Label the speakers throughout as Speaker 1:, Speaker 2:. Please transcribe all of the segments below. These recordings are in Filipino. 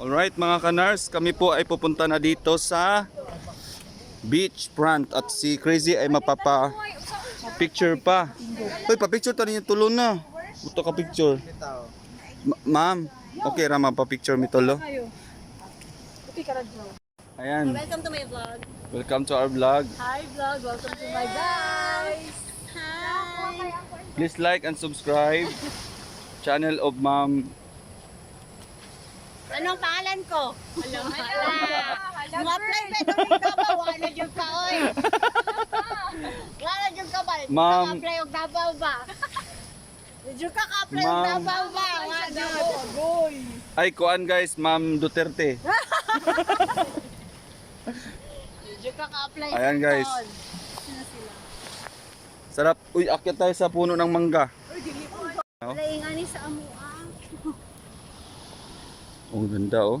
Speaker 1: Alright mga kanars, kami po ay pupunta na dito sa beach front at si Crazy ay mapapa-picture pa. Uy, pa-picture tayo niyo tulo na. Buto ka picture. Ma'am, okay ra mapapa-picture mi tulo. Ayan.
Speaker 2: Welcome to my vlog.
Speaker 1: Welcome to our vlog.
Speaker 2: Hi vlog, welcome to my guys. Hi.
Speaker 1: Please like and subscribe channel of Ma'am.
Speaker 2: Anong pangalan ko? Alam mo na. Mag-apply pa doon ka ba? Wala dyan ka, oy. Wala dyan ka ba?
Speaker 1: Ma'am.
Speaker 2: Mag-apply og Davao ba? Dyan ka ka-apply og
Speaker 1: Ma'am.
Speaker 2: Davao ba? Wala dyan.
Speaker 1: Ay, kuan guys, Ma'am Duterte.
Speaker 2: Dyan ka ka-apply.
Speaker 1: Ayan, guys.
Speaker 2: doon.
Speaker 1: Sarap. Uy, akyat tayo sa puno ng mangga.
Speaker 2: Wala yung ani sa amuang.
Speaker 1: Oh, ganda oh.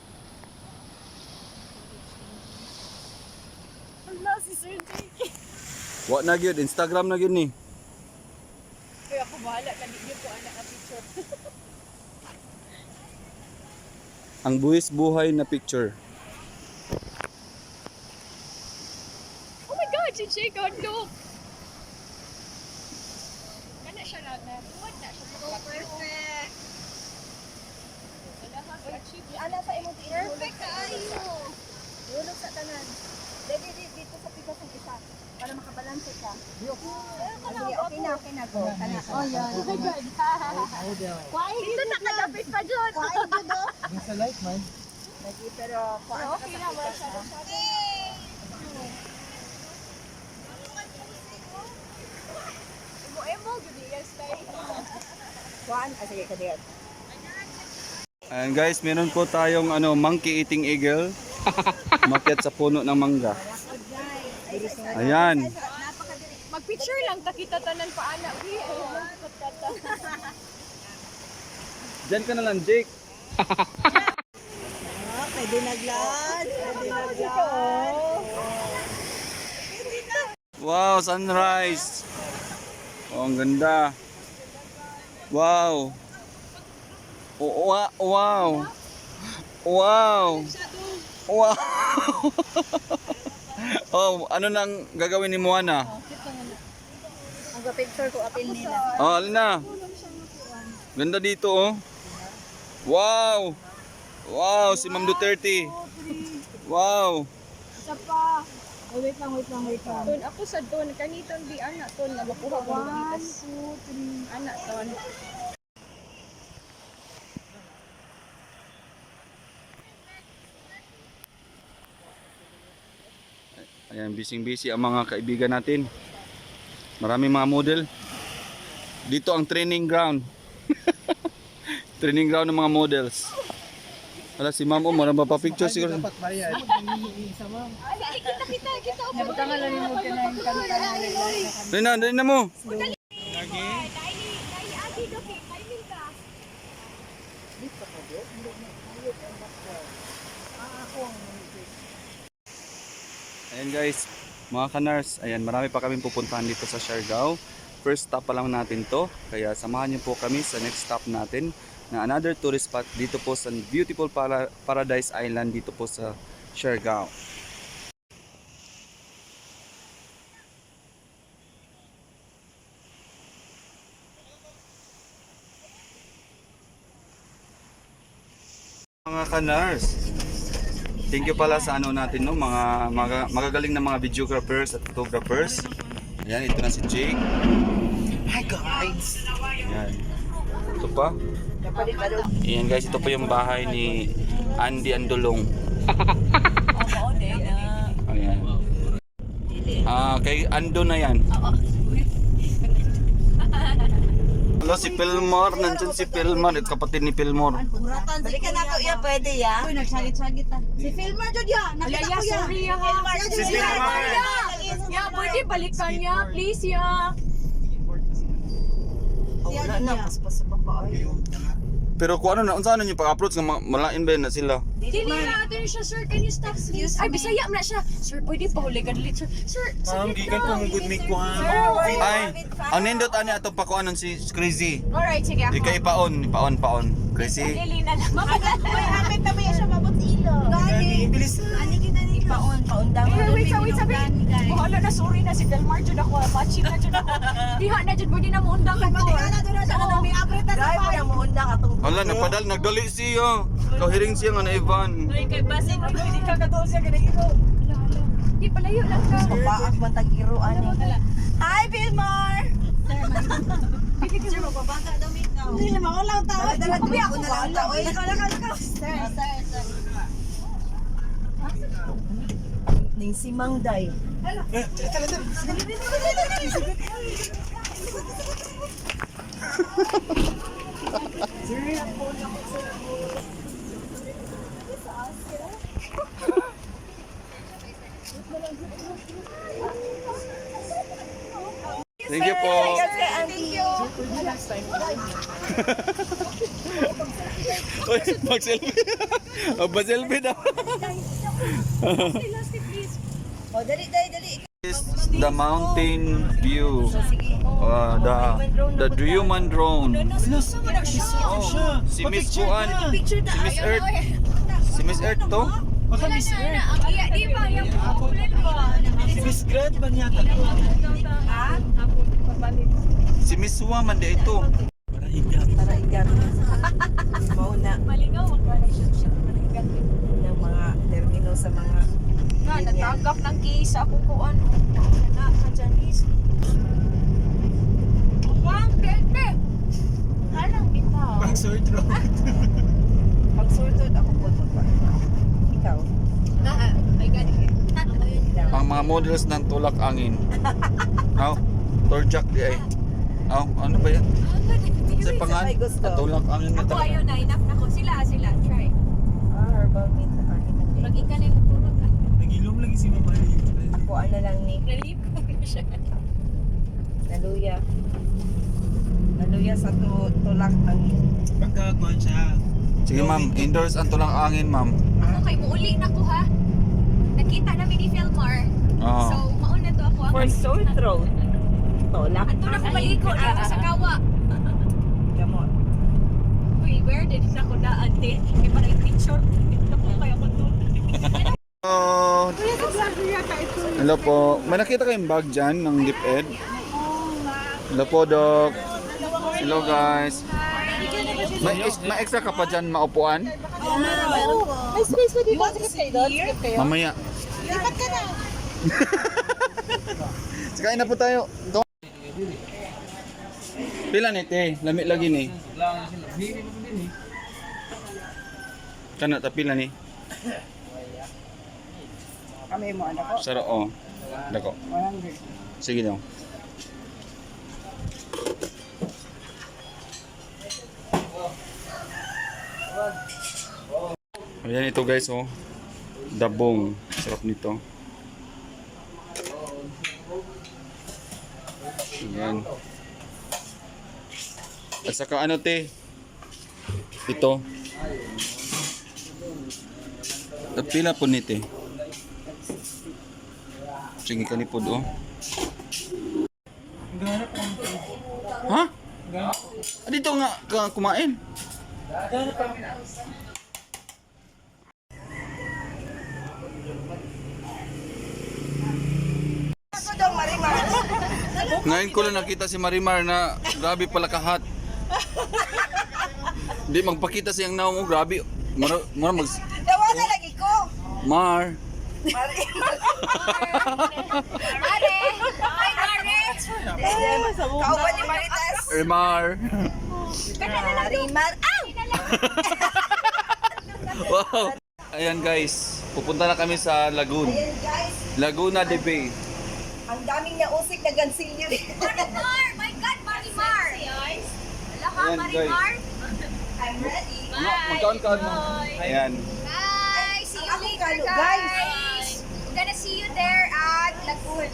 Speaker 2: Wala si Sir Jake.
Speaker 1: Wa na gyud, Instagram na gyud ni.
Speaker 2: Kaya ako bahala. Kanigyan ko anak ang picture.
Speaker 1: Ang buwis buhay na picture.
Speaker 2: Oh my God, si Jake, oh look. Kana siya lang na. What na siya? So perfect. Ala sa imong perfect kaayo. Dulog sa tanan. Dito sa pikas ng isa para makabalanse ka. Okay na go. Kana. Oh, yan. Oh my God. Kuwain dito nakadapit pa dyan. Kuwain dito.
Speaker 3: Sa light man.
Speaker 2: Lagi pero kuwain okay na wala siya. Emo gud yes tay. Kuan sige ka diyan.
Speaker 1: Ayan guys, meron po tayong monkey eating eagle. Makyat sa puno ng mangga. Ayan.
Speaker 2: Mag-picture lang takita tanan pa ana.
Speaker 1: Diyan ka na lang, Jake.
Speaker 2: Pwede naglan.
Speaker 1: Wow, sunrise. Oh, ang ganda. Wow. Oh, wow. Wow. Wow. Oh, ano nang gagawin ni Moana?
Speaker 2: Mag-picture ko apil nila.
Speaker 1: Oh, alina. Ganda dito oh. Wow. Wow, si Ma'am Duterte. Wow.
Speaker 2: Isa pa. Oh, wait lang. Ton ako sa ton kaniton di anak ton na makuha ko bitas. 1, 2, 3 anak ton.
Speaker 1: Ayan, busy ang mga kaibigan natin. Maraming mga model. Dito ang training ground. Training ground ng mga models. Wala si Ma'am, marami pa picture siguro.
Speaker 3: Dapat bayad. Isa ma'am.
Speaker 2: Kita. Nabutangan lang mo ka na yung kanta.
Speaker 1: Dali na mo. Ayan guys, mga kanars, ayan, marami pa kaming pupuntahan dito sa Siargao. First stop pa lang natin to, kaya samahan niyo po kami sa next stop natin na another tourist spot dito po sa beautiful Paradise Island dito po sa Siargao. Mga kanars, thank you pala sa natin no, mga magagaling na mga videographers at photographers. Ayan, ito na si Jake.
Speaker 3: Hi guys.
Speaker 1: Ayan. Ito pa. Ayan guys, ito pa yung bahay ni Andy Andulong. Ayan. Kay Ando na yan. Hello, si Pilmore. Nandyan si Pilmore. At kapatid ni Pilmore.
Speaker 4: Balikan na to ya, pwede ya. Uy, nagsagit-sagit ta. Si Filmer jud ya. Nakita ko ya.
Speaker 2: Sorry ya.
Speaker 1: Si Filmer.
Speaker 2: Ya, pwede balikan niya, please ya.
Speaker 4: Wala na, paspas sa baba.
Speaker 1: Pero kung ano na, unsa ano yung pag-approach nga malain ba na sila?
Speaker 5: Dili na ato siya, sir. Can you stop please? Ay, bisaya mo na siya. Sir, pwede pa huli ka dali, sir. Sir,
Speaker 3: Ma'am, gikan ko ng good make kuhan.
Speaker 1: Ay, ang nindot ani atong pakuanon si Crazy.
Speaker 5: Alright, sige ako.
Speaker 1: Ikay paon. Crazy.
Speaker 5: Dili na lang.
Speaker 2: May hapit na may siya mabot ilog.
Speaker 3: Gani, bilis na.
Speaker 2: Ani kita ni paundang.
Speaker 5: Wait, sabi. Bahala na, sorry na si Delmar dyan ako. Machi na dyan ako. Diha na dyan, pwede na maundang ka to.
Speaker 2: May apret na sa
Speaker 4: Drive na mo undang atong
Speaker 1: Hala, napadal, nagdali siya. Kahiring siya nga na Ivan.
Speaker 5: Ay, kay Basin, pwede ka katulad siya kinahiro. Hala. Di palayo lang ka.
Speaker 4: paak man tag-iro ani.
Speaker 2: Hi, Vilmar!
Speaker 5: Sir, magbabasa daw may ikaw.
Speaker 2: Hindi naman ako lang tao.
Speaker 4: Dala
Speaker 2: Kubi ako
Speaker 4: na
Speaker 2: ba?
Speaker 4: lang tao.
Speaker 2: Sir.
Speaker 4: Ning si Mangday.
Speaker 1: Thank you po.
Speaker 2: Thank you.
Speaker 1: Uy, mag-selfie. Ba-selfie daw.
Speaker 2: O, dali.
Speaker 1: Is the mountain view. The Human drone.
Speaker 3: Siya.
Speaker 1: Si Miss Kuan. Si Miss Earth. Si Miss Earth to?
Speaker 3: Baka Miss Earth.
Speaker 5: Ang iya, di ba? Yung ulan ba?
Speaker 3: Si Miss Grant ba niya?
Speaker 1: Si Miss Woman di ito.
Speaker 3: Para higat.
Speaker 4: Tara igat. Mauna
Speaker 5: Maligaw, magkala siya. Maligaw.
Speaker 4: ng mga termino sa mga
Speaker 5: Nga, natagap ng case ako kung ano. Na, sa Janice. Wang, bebe! Anong bitaw?
Speaker 3: Pang sore throat.
Speaker 4: pag sorted ako po pa. Ikaw.
Speaker 5: Ay, gani.
Speaker 1: Ang mga models ng tulak angin. Aw, Torjak di ay. Aw, ano ba yan? Sa pangan?
Speaker 4: Sabay gusto.
Speaker 1: Tulak angin na
Speaker 5: Ako
Speaker 1: talaga.
Speaker 5: ayaw na, enough na ko. Sila, try.
Speaker 4: Herbal mint na kanin.
Speaker 5: Maging ka na yung tulog.
Speaker 3: Nagilom lagi si Mama Lee.
Speaker 4: Ako ano lang ni
Speaker 5: Relief ko siya.
Speaker 4: Naluya. Naluya sa tulak ang
Speaker 3: Pagkakuan siya.
Speaker 1: Sige ma'am, indoors ang tulak angin ma'am.
Speaker 5: Ako kay muuli na ko ha. Nakita namin ni Philmar.
Speaker 1: Oo.
Speaker 5: So, mauna to ako.
Speaker 4: for sore throat. Tulak.
Speaker 5: Ato na ko maligo dito sa kawa.
Speaker 4: Gamot.
Speaker 5: Uy, where did na ko daan din? May parang picture. Ito ko kaya ko to.
Speaker 1: Oh, hello po. May nakita kayong bag dyan ng DepEd? Hello po, Doc. Hello, guys. May extra ka pa dyan maupuan?
Speaker 2: May space pa dito. Sige kayo.
Speaker 1: Mamaya.
Speaker 2: Lipat ka na.
Speaker 1: Sakain na po tayo. Ito. Pila ni te? Lami lagi ni. Kana ta pila ni?
Speaker 4: Kami mo anak ko.
Speaker 1: Saro oh. Dako.
Speaker 4: 100.
Speaker 1: Sige daw. Ayan ito guys oh. Dabong. Sarap nito. Ayan. At saka ano te? Ito. At pila po ni te? Sige ka ni po do.
Speaker 3: Ganap ang
Speaker 1: Ha? Ah, dito nga ka kumain.
Speaker 3: Ganap ang
Speaker 2: Ako daw, Marimar.
Speaker 1: Ngayon ko lang nakita si Marimar na grabe pala kahat. Hindi magpakita siyang naong oh, grabe. Mara mag
Speaker 2: Dawa na lagi ko.
Speaker 1: Mar.
Speaker 5: Mare! Ay, Mare!
Speaker 2: Kauban ni Maritas.
Speaker 1: Mar.
Speaker 2: Marimar. Ow!
Speaker 1: Wow. Ayan guys, pupunta na kami sa Lagoon.
Speaker 2: Ayan guys,
Speaker 1: Laguna de Bay.
Speaker 2: ang daming nausik na gansilyo rin.
Speaker 5: Marimar! My God, Marimar! Wala ka,
Speaker 1: Ayan,
Speaker 5: Marimar?
Speaker 2: I'm ready.
Speaker 1: Ano, magkaon-kaon mo. Ayan.
Speaker 5: Bye! See you
Speaker 2: Ako
Speaker 5: later,
Speaker 2: kalo,
Speaker 5: guys!
Speaker 2: guys.
Speaker 5: We're gonna see you there at Lagoon.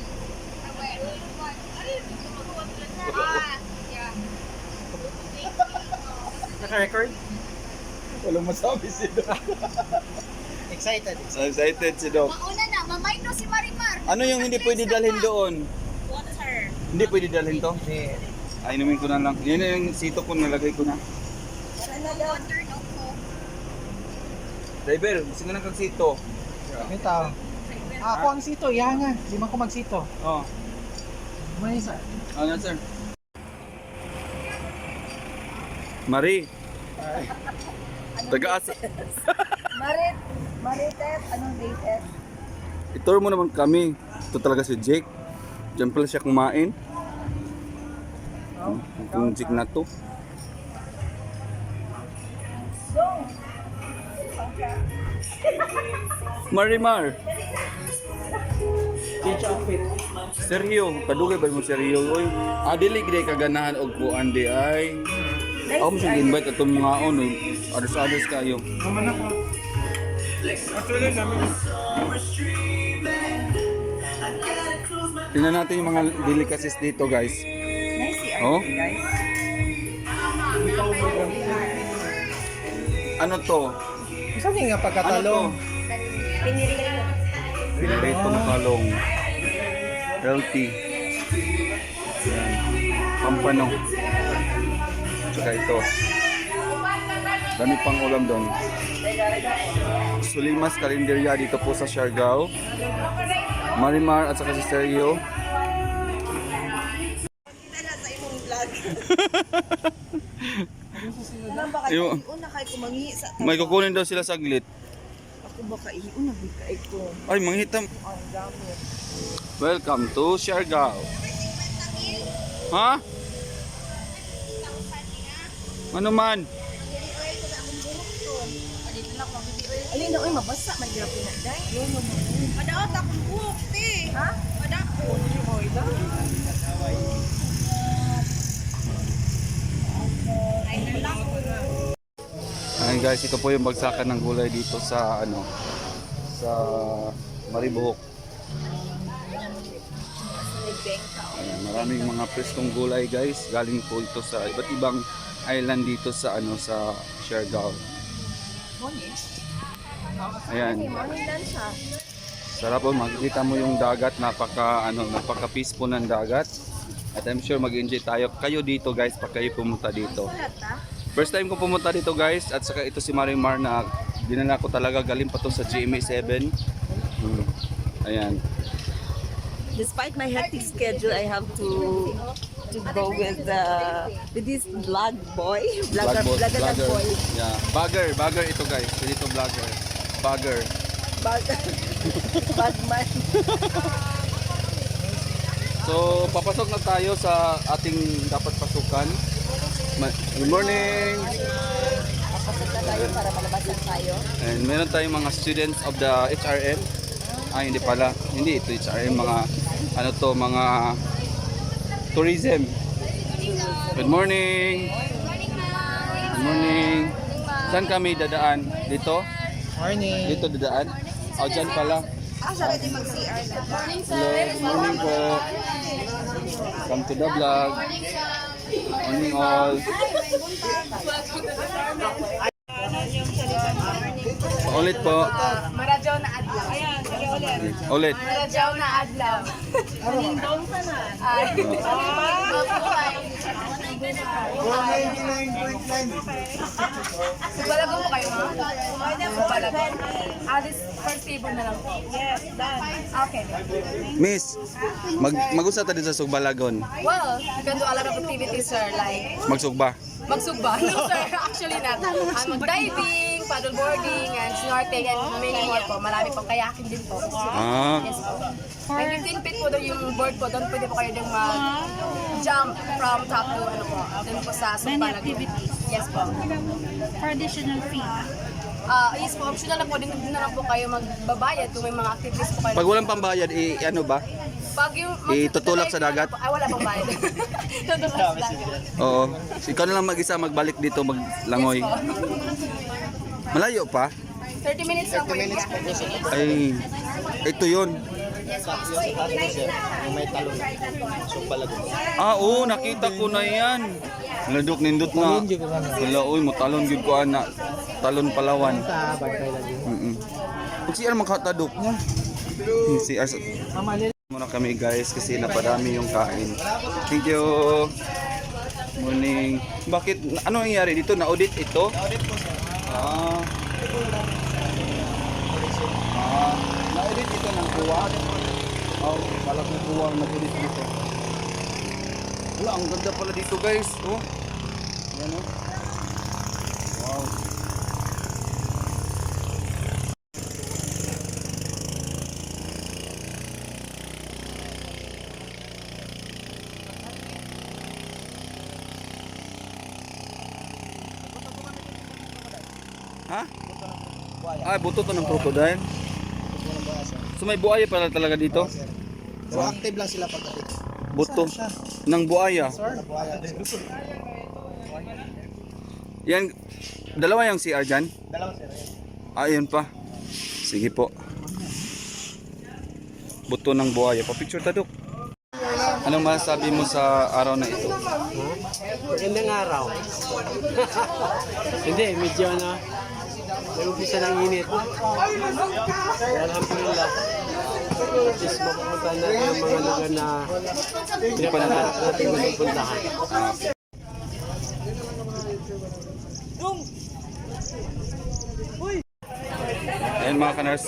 Speaker 5: Yeah.
Speaker 3: naka-record?
Speaker 1: Walang masabi si Doc.
Speaker 3: Excited.
Speaker 1: Excited si Doc.
Speaker 5: Mauna na, mamay no si Marimar.
Speaker 1: Ano yung hindi pwede dalhin doon?
Speaker 5: Water.
Speaker 1: Hindi pwede dalhin to?
Speaker 3: Hindi.
Speaker 1: Ay, inumin ko na lang. Yun na yung sito ko, nalagay ko na.
Speaker 5: Water no ko.
Speaker 1: Driver, gusto nga ng sito.
Speaker 3: Ito. Ako ang sito, yan nga. Di man ko magsito.
Speaker 1: Oh.
Speaker 3: May isa.
Speaker 1: Ano, sir? Marie. Taga-asa.
Speaker 2: Marites, anong latest?
Speaker 1: Itur mo naman kami. Ito talaga si Jake. Diyan pala siya kumain. Itong Jake na to. Marimar. Seryo, kadugay ba mo seryo? Oy, dili gid kaganahan og kuan di ay. Ako mo siyang invite atong mga ono, ados-ados kayo.
Speaker 3: Naman ako. Actually, namin.
Speaker 1: Tingnan natin yung mga delicacies dito, guys.
Speaker 2: Nice si
Speaker 1: Oh?
Speaker 2: guys.
Speaker 1: Ano to?
Speaker 3: Saan nga
Speaker 1: Ano to?
Speaker 3: pagkatalong?
Speaker 1: Piritong talong. Healthy. Yan. Pampano. Tsaka ito. Dami pang ulam doon. Sulimas Karinderya dito po sa Siargao. Marimar at saka si Sergio. Yung,
Speaker 2: Una kay kumangi sa
Speaker 1: may kukunin daw sila saglit.
Speaker 2: ako baka iuna bigay ko.
Speaker 1: Ay, manghitam. Welcome to Siargao. Ha? Ano man?
Speaker 2: Alin na oy mabasa man gyud na dai. Padaot akong buhok ti. Ha? Padako. Oy da.
Speaker 1: Ayan guys, ito po yung bagsakan ng gulay dito sa ano sa Maribohok. Ayan, maraming mga preskong gulay guys. Galing po ito sa iba't ibang island dito sa ano sa Siargao. Ayan. Sarap po, makikita mo yung dagat, napaka-peaceful ng dagat. At I'm sure mag-enjoy tayo kayo dito guys pag kayo pumunta dito. First time ko pumunta dito guys, at saka ito si Marimar na dinala ko talaga, galing pa to sa GMA7. Ayan.
Speaker 4: Despite my hectic schedule, I have to go with this vlog boy. Vlogger boy.
Speaker 1: Yeah, bagger ito guys. Dito vlogger. Bagger.
Speaker 4: Bagman.
Speaker 1: So, papasok na tayo sa ating dapat pasukan. Good morning.
Speaker 4: Papasok na tayo para malabasan tayo.
Speaker 1: And meron tayong mga students of the HRM. Ay, hindi pala. Hindi ito HRM, mga ano to, mga tourism. Good morning. Good morning. Saan kami dadaan? Dito?
Speaker 3: Morning.
Speaker 1: Dito dadaan? O, dyan pala.
Speaker 2: Asa ready mag-CR na.
Speaker 1: Hello, morning po. Come to the vlog. Morning all. Ulit po.
Speaker 5: Maradyaw na adlaw. Ayan,
Speaker 1: Ulit.
Speaker 5: Maradyaw na adlaw. Nindong pa na. Ay. Balago po kayo, ha? Balago. This first table na lang po. Yes, done. Okay.
Speaker 1: Miss, mag-usap tayo sa Sugbalagon.
Speaker 5: Well, you can do a lot of activities, sir, like
Speaker 1: Magsugba.
Speaker 5: magsugba. No, sir, actually not. Mag-diving, paddleboarding, and snorkeling, and many more po. Marami pong kayaking din po.
Speaker 1: Ah,
Speaker 5: Yes po. May 15 feet po doon yung board po. Doon pwede po kayo doon mag-jump from top to ano po. Doon po sa Sumbalago. Yes po.
Speaker 6: For additional fee.
Speaker 5: Yes po, optional na po. Doon na lang po kayo magbabayad kung may mga activities po kayo.
Speaker 1: pag walang pambayad, ano ba?
Speaker 5: Pag yung
Speaker 1: Itutulak sa dagat?
Speaker 5: Ay, wala pong bayad. Tutulak sa dagat.
Speaker 1: Oo. Ikaw na lang mag-isa magbalik dito maglangoy. Malayo pa?
Speaker 5: 30 minutes lang po yung
Speaker 1: Ay, ito yun. Ah, oo, nakita ko na yan. Ladok nindot na.
Speaker 3: Talon, gyud ko na.
Speaker 1: Wala, uy, mo talon gyud ko ana. Talon Palawan.
Speaker 3: Sa bantay lagi.
Speaker 1: Kung siya makatadok. Si Ars.
Speaker 3: Mamalil.
Speaker 1: Muna kami guys kasi napadami yung kain. Thank you. Morning. Bakit? Ano nangyari dito? Na-audit ito? Na-audit po sir. Na-audit ito ng buwa? Oh, pala kong buwa nag-audit dito. Wala, ang ganda pala dito guys. Oh. Yan oh. Wow. Ha? Ah, buto to ng crocodile. So may buaya pala talaga dito?
Speaker 3: So active lang sila pagdating.
Speaker 1: Buto ng buaya. Yan, dalawa yung CR dyan?
Speaker 3: Dalawa sir.
Speaker 1: Ah, yun pa. Sige po. Buto ng buaya. Pa-picture tadok. Anong masasabi mo sa araw na ito?
Speaker 3: Magandang araw. Hindi, medyo na nag-umpisa ng init. Alhamdulillah. At least mapupunta natin ang mga lugar na pinapangarap natin gusto puntahan.
Speaker 1: Ayan mga kanars.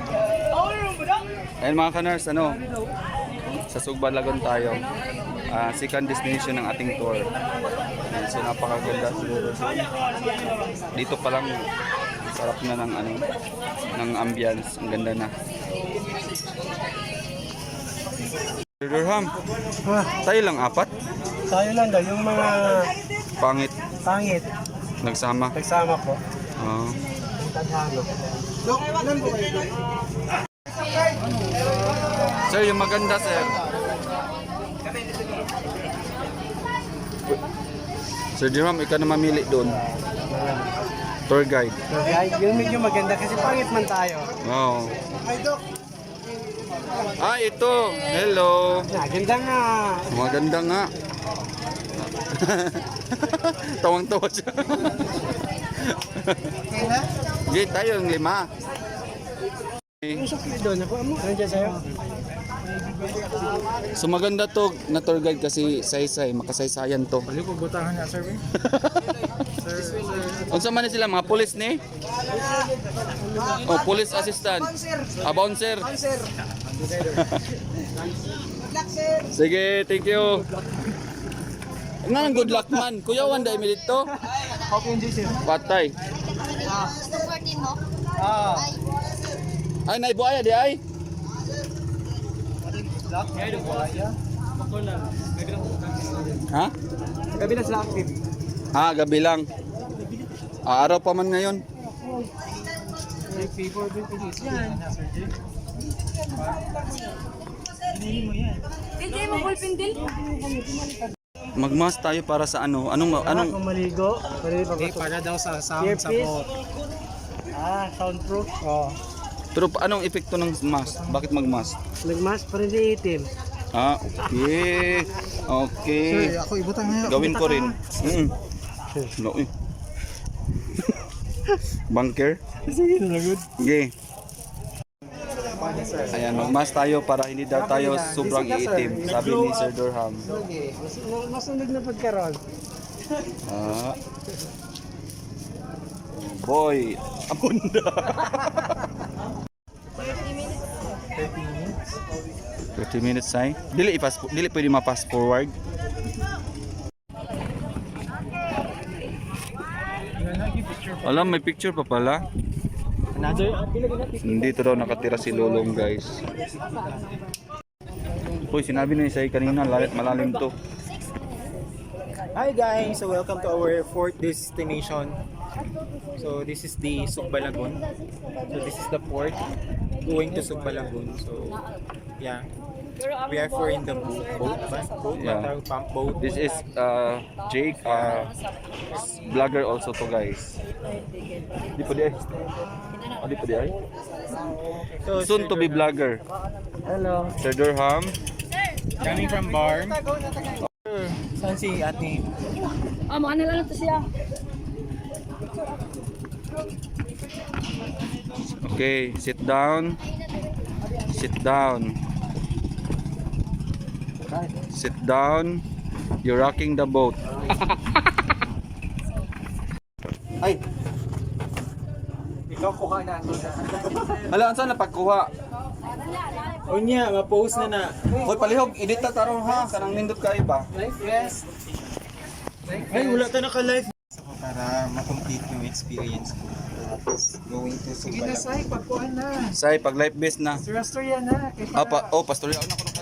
Speaker 1: Ayan mga kanars, ano? Sa Sugbalagon tayo. Second destination ng ating tour. Ayan, so napakaganda siguro. So, dito pa lang sarap na ng ano, ng ambience. Ang ganda na. Sir Durham, tayo lang apat?
Speaker 3: Tayo lang daw, yung mga
Speaker 1: Pangit.
Speaker 3: pangit,
Speaker 1: Nagsama.
Speaker 3: nagsama po.
Speaker 1: Oo.
Speaker 3: Tadhano.
Speaker 1: Sir, yung maganda, sir. Sir Durham, ikaw na mamili doon. Tour guide.
Speaker 3: So guys, yun medyo maganda kasi pangit man tayo.
Speaker 1: Wow. Ah, ito. Hello.
Speaker 3: Ganda nga.
Speaker 1: Maganda nga. Tawang-tawa siya. Okay, tayo yung 5.
Speaker 3: Usok na doon. Ako mo. Nandiyan sa'yo.
Speaker 1: So maganda to na tour guide kasi saysay, makasaysayan to.
Speaker 3: Balik ko butahan niya, sir.
Speaker 1: Unsa man ni sila mga pulis ni? Oh, police assistant. Bouncer. Sige, thank you. Nga nang good luck man. Kuya Wanda Emilito.
Speaker 3: Hope you enjoy, sir.
Speaker 1: Patay. Ay, naibuaya di ay. Ha?
Speaker 3: Gabi na sila active.
Speaker 1: Gabi lang. Araw pa man ngayon.
Speaker 3: Favor din po dito. Yan.
Speaker 5: Hindi mo ballpen din?
Speaker 1: Magmas tayo para sa ano? Anong
Speaker 3: Kung maligo, para daw sa sound sa boat. Soundproof. Oh.
Speaker 1: pero anong epekto ng mask? Bakit magmask?
Speaker 3: Nagmask para hindi itim.
Speaker 1: Okay. Okay.
Speaker 3: ako ibutang ngayon.
Speaker 1: Gawin ko rin. No, eh. Bunker?
Speaker 3: Sige, nalagod.
Speaker 1: Okay. Ayan, magmask tayo para hindi daw tayo sobrang iitim, sabi ni Sir Durham.
Speaker 3: Okay. Masunog na pagkaroon.
Speaker 1: Boy, abunda. 30 minutes ay. Dili pwede ma-pass forward. Alam, may picture pa pala. Dito daw nakatira si Lolong, guys. Uy, sinabi na ni Sai kanina, malalim to.
Speaker 7: Hi guys, so welcome to our fourth destination. So this is the Sugbalagon. So this is the port going to Sugbalagon. So yeah, we are for in the boat,
Speaker 1: Yeah.
Speaker 7: pump boat.
Speaker 1: This is Jake, vlogger also to, guys. Di pa di ay. Di pa di ay.
Speaker 7: So
Speaker 1: Soon to be vlogger.
Speaker 3: Hello.
Speaker 1: Sir Durham.
Speaker 7: coming from Barm. Saan si ate?
Speaker 5: Ah, mga nalang to siya.
Speaker 1: Okay, sit down. Sit down. Sit down. You're rocking the boat. Ay,
Speaker 7: Ikaw kuha na ito na.
Speaker 1: hala, saan na pagkuha?
Speaker 7: O niya, ma-post na na.
Speaker 1: Hoy, palihog, edit ta tarong ha. Kanang nindot kayo ba?
Speaker 7: Yes. Ay, wala ta naka-live. Para ma-complete yung experience ko. Going to Sumbalagon.
Speaker 1: Say, pag life base na.
Speaker 7: Pastorya na.
Speaker 1: Pastorya na ako